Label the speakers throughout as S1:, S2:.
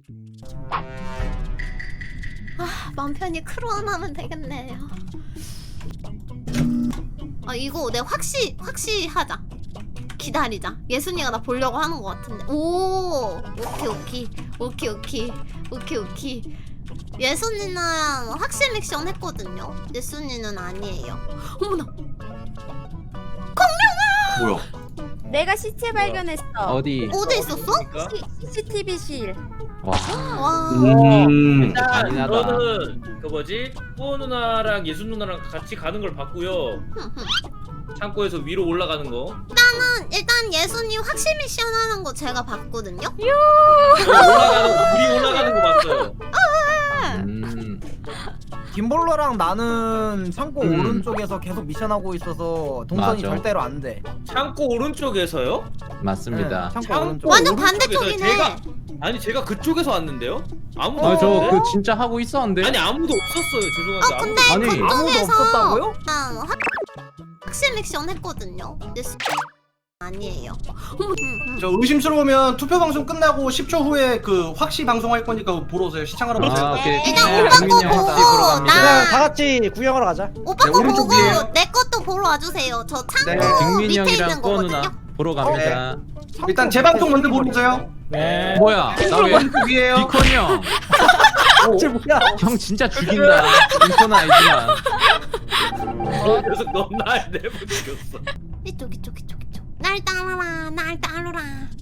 S1: 마음 편히 크루원 하면 되겠네요. 이거 내가 확시 하자. 기다리자. 예순이가 나 보려고 하는 것 같은데. 오, 오케이. 예순이는 확실 미션 했거든요. 예순이는 아니에요. 어머나.
S2: 뭐야?
S3: 내가 시체 발견했어.
S4: 어디?
S1: 어디 있었어?
S3: CCTV실.
S4: 와.
S1: 와.
S2: 일단
S4: 잔인하다.
S5: 저는 그 뭐지? 뿌어 누나랑 예순 누나랑 같이 가는 걸 봤고요. 창고에서 위로 올라가는 거.
S1: 일단 예순이 확실 미션 하는 거 제가 봤거든요.
S5: 우리 올라가는 거 봤어요.
S6: 김볼러랑 나는 창고 오른쪽에서 계속 미션하고 있어서 동선이
S4: 맞아.
S6: 절대로 안 돼.
S5: 창고 오른쪽에서요?
S4: 맞습니다.
S6: 창고
S5: 창고
S6: 오른쪽.
S1: 완전
S5: 오른쪽에서요?
S1: 반대쪽이네.
S5: 아니 제가 그쪽에서 왔는데요? 아무도
S4: 아 저
S5: 없는데?
S4: 그 진짜 하고 있었는데.
S5: 아니 아무도 없었어요. 죄송한데
S1: 근데
S4: 아니,
S6: 아무도
S1: 그쪽에서
S6: 없었다고요?
S1: 확실 미션 했거든요. 아니에요.
S2: 저 의심스러우면 투표 방송 끝나고 10초 후에 그 확시 방송할 거니까 보러 오세요. 시청하러 오세요.
S4: 아 오케이.
S1: 일단
S4: 네,
S1: 오빠
S4: 국민 형
S1: 거
S4: 혹시 보러
S1: 보고
S4: 갑니다.
S6: 다 같이 구경하러 가자.
S1: 오빠
S2: 네,
S1: 거
S2: 오른쪽
S1: 보고
S2: 위에요.
S1: 내 것도 보러 와주세요. 저 창고
S2: 네,
S4: 빅민
S1: 밑에
S4: 형이랑
S1: 있는
S4: 뿌어
S1: 거거든요.
S4: 누나 보러 갑니다.
S2: 일단 제 방송 먼저 보러 오세요.
S6: 네.
S4: 뭐야? 나 왜?
S2: 오른쪽 위에요.
S4: 비콘 형.
S6: 쟤 뭐야?
S4: 형 진짜 죽인다. 인포는 아니지만.
S5: 그래서 넌 날 내버 죽였어.
S1: 이쪽. 날 따라라.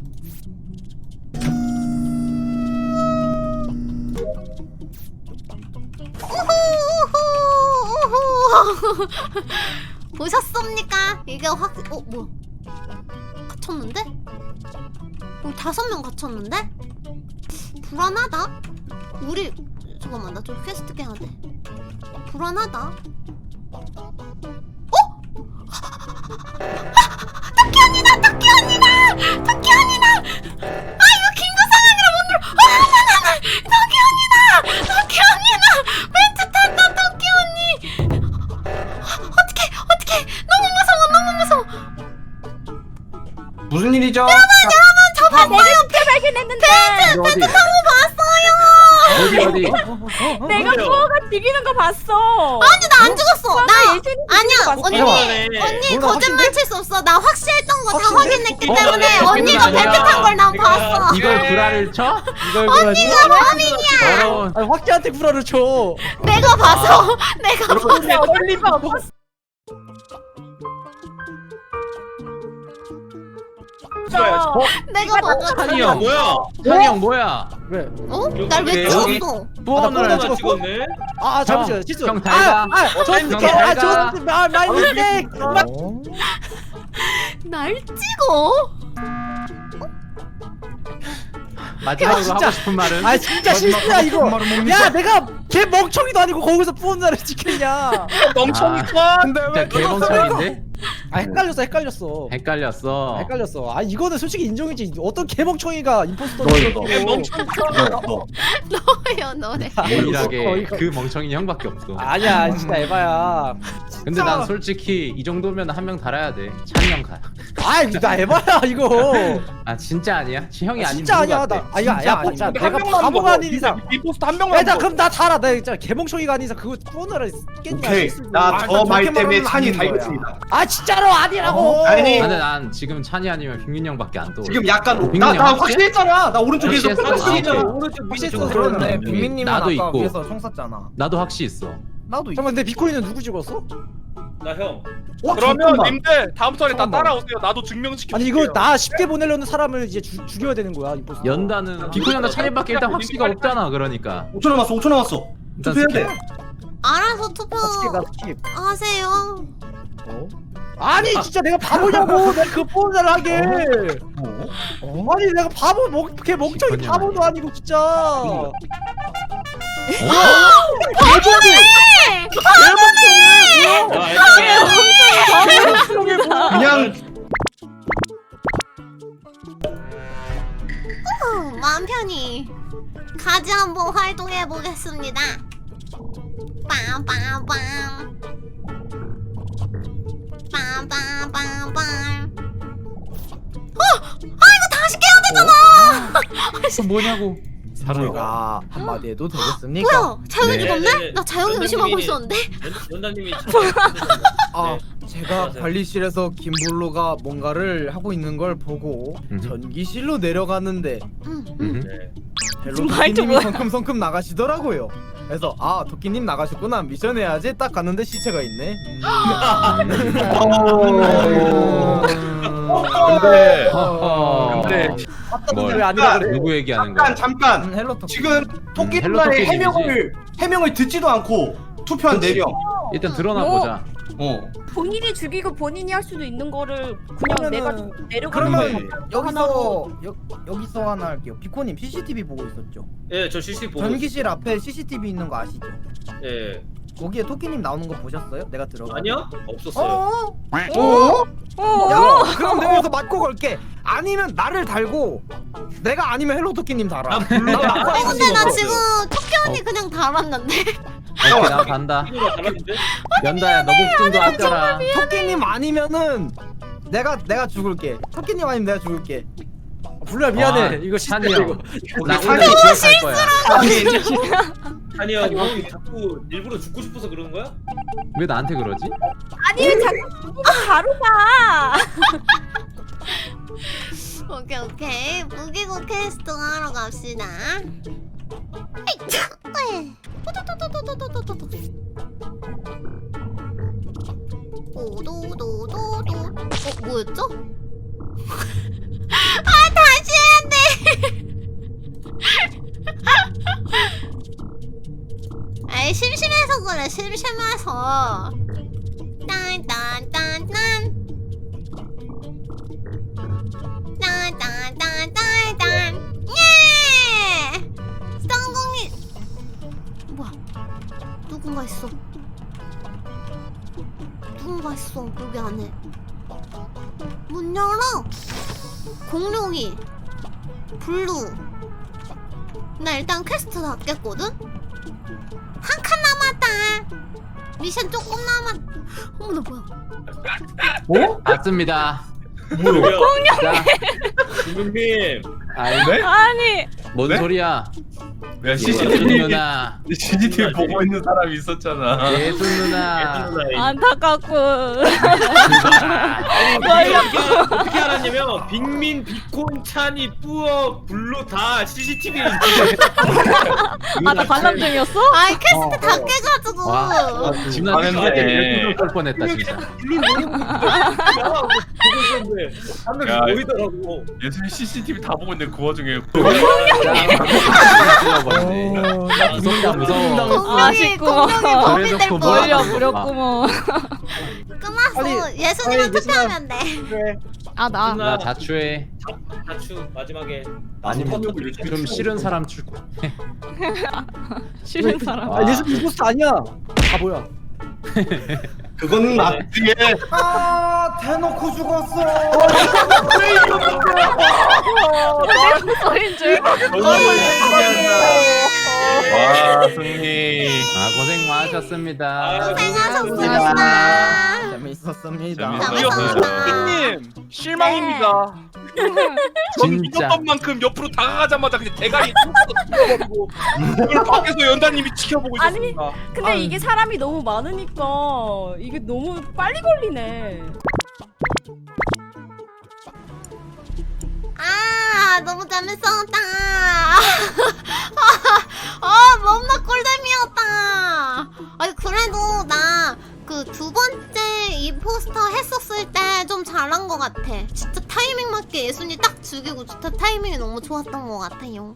S1: 우후. 보셨습니까? 이게 뭐야? 갇혔는데? 5명 갇혔는데? 불안하다. 우리 잠깐만 나 좀 퀘스트 깨야 돼. 불안하다. 토끼 언니다! 이거 김구상이라 못 눌러. 토끼 언니다! 멘트 탄다 토끼 언니. 어떡해? 너무 무서워.
S2: 무슨 일이죠?
S1: 저 봤어요.
S3: 시체 발견했는데.
S4: 어디? 어디?
S3: 내가
S5: 그래요?
S3: 부어가 죽이는 거 봤어.
S1: 아니 나 안 죽었어. 나
S3: 예준이
S1: 아니야.
S3: 봤어.
S1: 언니
S6: 누나
S1: 거짓말 칠 수 없어. 나 확실했던 거 다
S6: 확실해?
S1: 확인했기 때문에
S4: 어,
S1: 언니가
S4: 아니야.
S1: 벨트 탄 걸 난 봤어.
S4: 이걸 구라를 쳐?
S1: 언니가 범인이야.
S4: 더러운.
S6: 아니 확기한테 구라를 쳐.
S1: 내가 봐서. 내가 봐서.
S3: 올리버 봤어.
S1: 내가 봐서.
S4: 한이 형.
S5: 뭐야?
S4: 한이 형 뭐야?
S6: 왜?
S1: 날 왜
S5: 여기-
S1: 찍었어?
S4: 뿌어
S6: 나
S4: 누나
S6: 찍었어?
S5: 찍었네.
S6: 아 잠시만 실수.
S4: 형 달다.
S6: 저
S4: 형
S6: 어떻게?
S4: 달다.
S6: 마이 미스테이크.
S1: 날 찍어?
S4: 마지막으로
S6: 진짜.
S4: 하고 싶은 말은?
S6: 아 진짜 실수야 이거. 야 내가 걔 멍청이도 아니고 거기서 부은 나를 지켰냐?
S4: 멍청이다. 진짜 개멍청인데?
S6: 헷갈렸어.
S4: 헷갈렸어.
S6: 아 이거는 솔직히 인정이지. 어떤 개멍청이가 임포스터
S1: 너요 너네.
S4: 유일하게 그 멍청이 형밖에 없어.
S6: 아니야 진짜 에바야.
S4: 근데 난 솔직히 이 정도면 한 명 달아야 돼. 찬이 형 가.
S6: 아이 나 에바야 이거.
S4: 아 진짜 아니야? 형이 아닌
S6: 진짜 아니야 나. 야 진짜 내가 바보가 아닌 이상.
S7: 임포스터 한 명만.
S6: 일단 그럼 나 달아. 나 진짜 개멍청이가 아닌 이상 그거 부어나라 겠냐?
S2: 오케이. 나 저 말 때문에 찬이 달겠습니다.
S6: 아 진짜로 아니라고.
S2: 아니.
S4: 근데 난 지금 찬이 아니면 빅민 형밖에 안 떠.
S2: 지금 약간
S4: 빅민이
S2: 나
S4: 확실해?
S2: 확실했잖아. 나 오른쪽에서
S4: 확실했어?
S2: 확실했잖아.
S4: 아,
S5: 오른쪽
S6: 미실수
S5: 오른쪽.
S6: 그러네. 빅민님은
S4: 나도
S6: 아까
S4: 있고.
S6: 위에서 총 쐈잖아.
S4: 나도 확실히 있어.
S6: 나도. 잠깐만 근데 비코이는 누구 찍었어?
S5: 나 형.
S7: 그러면
S2: 잠깐만.
S7: 님들 다음 턴에 다
S6: 잠깐만.
S7: 따라오세요. 나도 증명시켜.
S6: 아니 이거 나 쉽게 보내려는 사람을 이제 죽여야 되는 거야 임포스터.
S4: 연다는 비콘 형과 찬이밖에 일단 확실히가 없잖아. 그러니까
S2: 5초 남았어.
S4: 일단
S2: 투표해야 돼.
S1: 알아서 투표
S6: 나 스킵 나 스킵.
S1: 하세요.
S6: 아니 진짜 내가 바보냐고. 내가 그 폰을 하게. 아니 내가 바보 걔 멍청이
S4: 비콘
S6: 바보도 아니고 진짜.
S2: 그냥
S1: 마음 편히 가지 한번 활동해 보겠습니다. 빰빰빰 빰빰빰빰. 이거 다시 깨야 되잖아.
S4: 그럼 뭐냐고.
S6: 제가 한마디 해도 되겠습니까?
S1: 뭐야? 자영이
S5: 네,
S1: 죽었네?
S5: 네, 네.
S1: 나 자영이 의심하고
S5: 연단님이-
S1: 있었는데?
S5: 연단님이
S6: 아, 제가
S5: 맞아요.
S6: 관리실에서 김블루가 뭔가를 하고 있는 걸 보고 전기실로 내려가는데
S1: 응.
S5: 네.
S6: 헬로
S3: 말도
S6: 토끼님이
S3: 뭐야.
S6: 성큼성큼 나가시더라고요. 그래서 아 토끼님 나가셨구나 미션 해야지 딱 갔는데 시체가 있네.
S7: 근데
S4: 허허.
S7: 근데
S4: 뭘?
S6: 왜 아니라 그래?
S4: 누구 얘기하는 거야?
S2: 잠깐
S6: 헬로 토끼.
S2: 지금 토끼
S4: 헬로
S2: 누나의
S4: 토끼님이지.
S2: 해명을 듣지도 않고 투표한 4명.
S4: 일단 드러나 보자.
S3: 본인이 죽이고 본인이 할 수도 있는 거를 그냥 내가 내려가는
S6: 그러면
S3: 거 하나로
S6: 여기서 하나 할게요. 비코님 CCTV 보고 있었죠?
S5: 예, 저 CCTV 보고
S6: 전기실 앞에 CCTV 있는 거 아시죠?
S5: 있어요. 예.
S6: 거기에 토끼님 나오는 거 보셨어요? 내가 들어가.
S5: 아니요? 없었어요.
S6: 야, 그럼 내가 여기서 맞고 걸게. 아니면 나를 달고 내가 아니면 헬로 토끼님 달아.
S1: 근데 나 지금 토끼 언니 그냥 달았는데?
S4: 오케이, 나 간다.
S5: 이거 달았는데?
S4: 연다야, 너 목숨도 아껴라.
S6: 토끼님 아니면은 내가 죽을게. 토끼님 아니면 내가 죽을게.
S8: 불러야 미안해.
S4: 아,
S8: 이거
S4: 찬이
S8: 실패
S4: 형.
S8: 이거.
S4: 나 오늘 기억할 거야.
S5: 아니 형 자꾸 일부러 죽고 싶어서 그러는 거야?
S4: 왜 나한테 그러지?
S3: 아니 왜 자꾸 바로 가.
S1: 오케이. 무기고 퀘스트 하러 갑시다. 에이, 오도도도도. 뭐였죠? 아, 다시 해야 돼. 아이, 심심해서 그래, 심심해서. 딴딴딴딴. 딴딴딴딴딴. 예! 성공이. 뭐야? 누군가 있어. 누군가 있어 여기 안에. 문 열어. 공룡이. 블루. 나 일단 퀘스트 다 깼거든? 한 칸 남았다. 미션 조금 남았. 어머나 뭐야?
S4: 맞습니다.
S5: 뭐야?
S4: 자,
S5: 김금님
S4: 아이,
S7: 네?
S3: 아니
S4: 뭔
S7: 네?
S4: 소리야?
S7: 야
S4: 예순
S7: CCTV
S4: 누나,
S7: CCTV 보고 있는 사람이 있었잖아.
S4: 예순 누나.
S3: 안타깝고.
S5: 어떻게 알았냐면 빅민, 비콘, 찬이, 뿌어, 블루 다 CCTV에
S3: 아나 관람 중이었어?
S1: 아이 퀘스트 다 깨가지고.
S4: 와, 지금 나
S7: 망했네.
S4: 때문에 걸 뻔했다 진짜.
S5: 블루 너무 보고 있었는데 한 명씩
S7: 야,
S5: 보이더라고.
S7: 예술이 CCTV 다 보고 있는데 그 와중에
S4: 죽어버리네. 무섭다, 무서워.
S1: 공룡이
S3: 아쉽고.
S1: 겁이 될
S4: 그래놓고
S1: 뻔.
S3: 멀려 무렵구먼.
S1: 끝났어. 예순이만 투표하면 돼.
S3: 아나
S4: 나 자추해.
S5: 다추 마지막에
S4: 아니면 좀 싫은 사람 출구.
S3: 싫은 사람.
S8: 아 예수 이코스 아니야. 바보야.
S2: 그건 맞지.
S6: 아 대놓고 죽었어.
S3: 내 소린 줄.
S7: 와 승리.
S4: 아, 고생 많으셨습니다.
S1: 고생하셨습니다.
S6: 재밌었습니다.
S1: 재밌었습니다.
S7: 님 실망입니다. 전
S4: 진짜.
S7: 이겼던 만큼 옆으로 다가가자마자 그냥 대가리 뚫어버리고 이걸 밖에서 연다님이 지켜보고
S3: 아니,
S7: 있었습니다.
S3: 근데 이게 사람이 너무 많으니까 이게 너무 빨리 걸리네.
S1: 아 너무 재밌었다. 너무나 꿀잼이었다. 아니 그래도 나 그 두 번째 임포스터 했었을 때 좀 잘한 것 같아. 진짜 타이밍 맞게 예순이 딱 죽이고 진짜 타이밍이 너무 좋았던 것 같아요.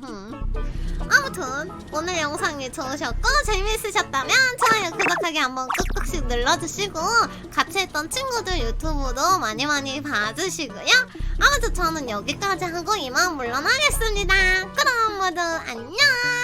S1: 아무튼 오늘 영상이 좋으셨고 재미있으셨다면 좋아요 구독하기 한번 꾹꾹씩 눌러주시고 같이 했던 친구들 유튜브도 많이 봐주시고요. 아무튼 저는 여기까지 하고 이만 물러나겠습니다. 그럼 모두 안녕.